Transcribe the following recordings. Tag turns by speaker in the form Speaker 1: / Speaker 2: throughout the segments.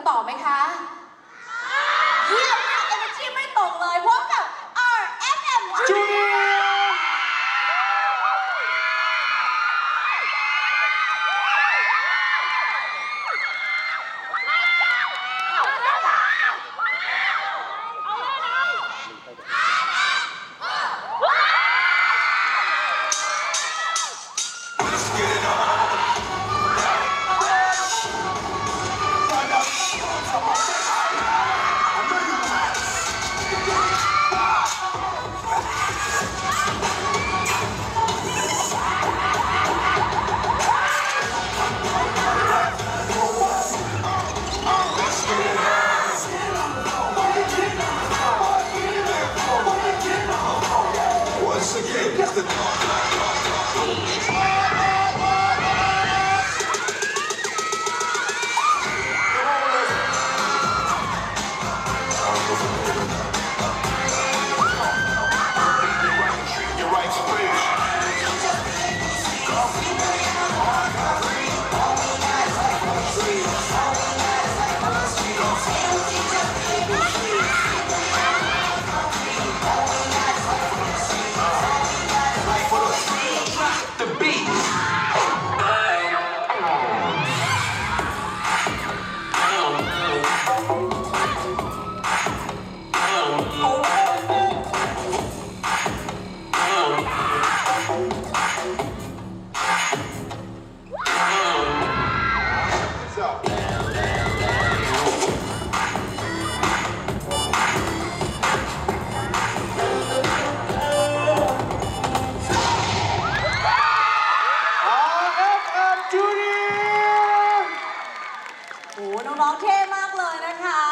Speaker 1: ต่อไหมคะเยี่ยมมาก energy ไม่ตกเลยพบกับ RFM Juniorน้องๆเท่มากเลยนะคะ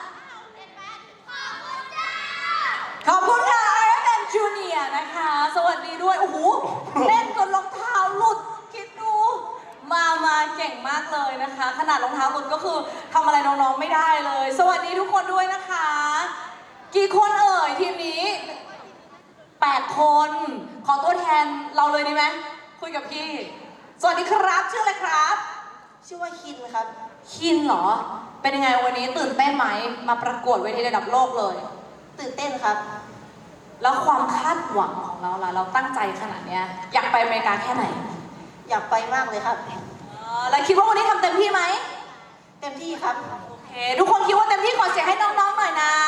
Speaker 1: ขอบคุณค่ะ RFM Junior นะคะสวัสดีด้วยโอ้โหเล่นจนรองเท้าหลุดคิดดูมาเก่งมากเลยนะคะขนาดรองเท้าหลุดก็คือทำอะไรน้องๆไม่ได้เลยสวัสดีทุกคนด้วยนะคะกี่คนเอ่ยทีมนี้8 คนขอตัวแทนเราเลยดีไหมคุยกับพี่สวัสดีครับชื่ออะไรครับ
Speaker 2: ชื่อว่าคินครับ
Speaker 1: คินเหรอเป็นยังไงวันนี้ตื่นเต้นไหมมาประกวดเวทีระดับโลกเลย
Speaker 2: ตื่นเต้นครับ
Speaker 1: แล้วความคาดหวังของเราล่ะเราตั้งใจขนาดเนี้ยอยากไปอเมริกาแค่ไหน
Speaker 2: อยากไปมากเลยครับ
Speaker 1: แล้วคิดว่าวันนี้ทำเต็มที่ไหม
Speaker 2: เต็มที่ครับ
Speaker 1: โอเคทุกคนคิดว่าเต็มที่ขอเสียงให้น้องๆหน่อยนะ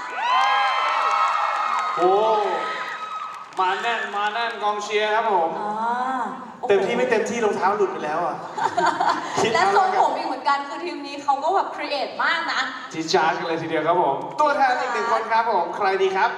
Speaker 3: โอ้มาแน่นกองเชียร์ครับผมเต็มที่ไม่เต็มที่รองเท้าหลุดไปแล้วอ่ะ
Speaker 1: และทรงผมอีกเหมือนกันคือทีมนี้เขาก็แบบครีเอทมากนะ
Speaker 3: จีจ้ากันเลยทีเดียวครับผมตัวแทนอีก1 คนครับผมใครดีครับ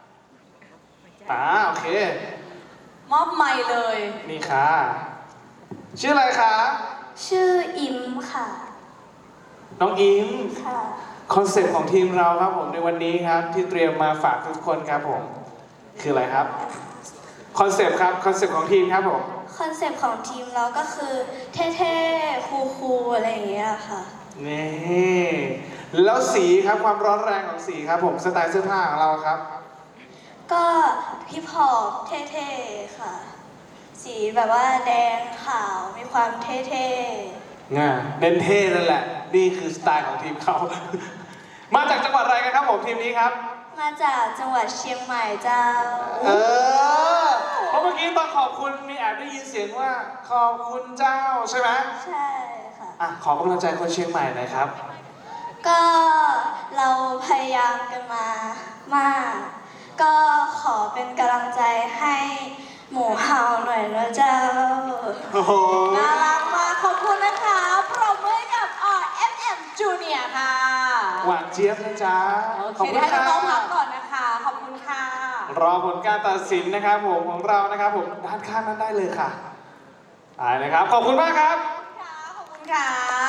Speaker 3: โอเค
Speaker 1: มอบไมค์เลย
Speaker 3: นี่ค่ะชื่ออะไรคะ
Speaker 2: ชื่ออิมค่ะ
Speaker 3: น้องอิม
Speaker 2: ค่ะ
Speaker 3: คอนเซ็ปต์ของทีมเราครับผมในวันนี้ครับที่เตรียมมาฝากทุกคนครับผมคืออะไรครับคอนเซ็ปต์ครับคอนเซ็ปต์ของทีมครับผม
Speaker 2: คอนเซ็ปต์ของทีมเราก็คือเท่ๆคูลๆอะไรอย่างเงี้ยค่ะ
Speaker 3: นี่แล้วสีครับความร้อนแรงของสีครับผมสไตล์เสื้อผ้าของเราครับ
Speaker 2: ก็ฮิปฮอปเท่ๆค่ะสีแบบว่าแดงขาวมีความเท่ๆ
Speaker 3: เน้นเท่นั่นแหละนี่คือสไตล์ของทีมเขามาจากจังหวัดอะไรกันครับผมทีมนี้ครับ
Speaker 2: มาจากจังหวัดเชียงใหม่เจ้า
Speaker 3: เพราะเมื่อกี้ตอนขอบคุณมีแอบได้ยินเสียงว่าขอบคุณเจ้าใช่ไหม
Speaker 2: ใช่ค่ะ
Speaker 3: ขอกำลังใจคนเชียงใหม่หน่อยครับ
Speaker 2: ก็เราพยายามกันมามากก็ขอเป็นกำลังใจให้หมูเห่าหน่อยนะเจ้า
Speaker 1: น่ารักมากขอบคุณนะคะปรบมือกับ RFM Junior ค่ะ
Speaker 3: หวานเจี๊ยบนะจ๊ะ
Speaker 1: ขอบคุณค่ะน้องพักก่อนนะคะขอบคุณค่ะ
Speaker 3: รอผลการตัดสินนะครับผมของเรานะครับผมด้านข้างนั้นได้เลยค่ะนะครับขอบคุณมากครับ
Speaker 1: ขอบคุณค่ะ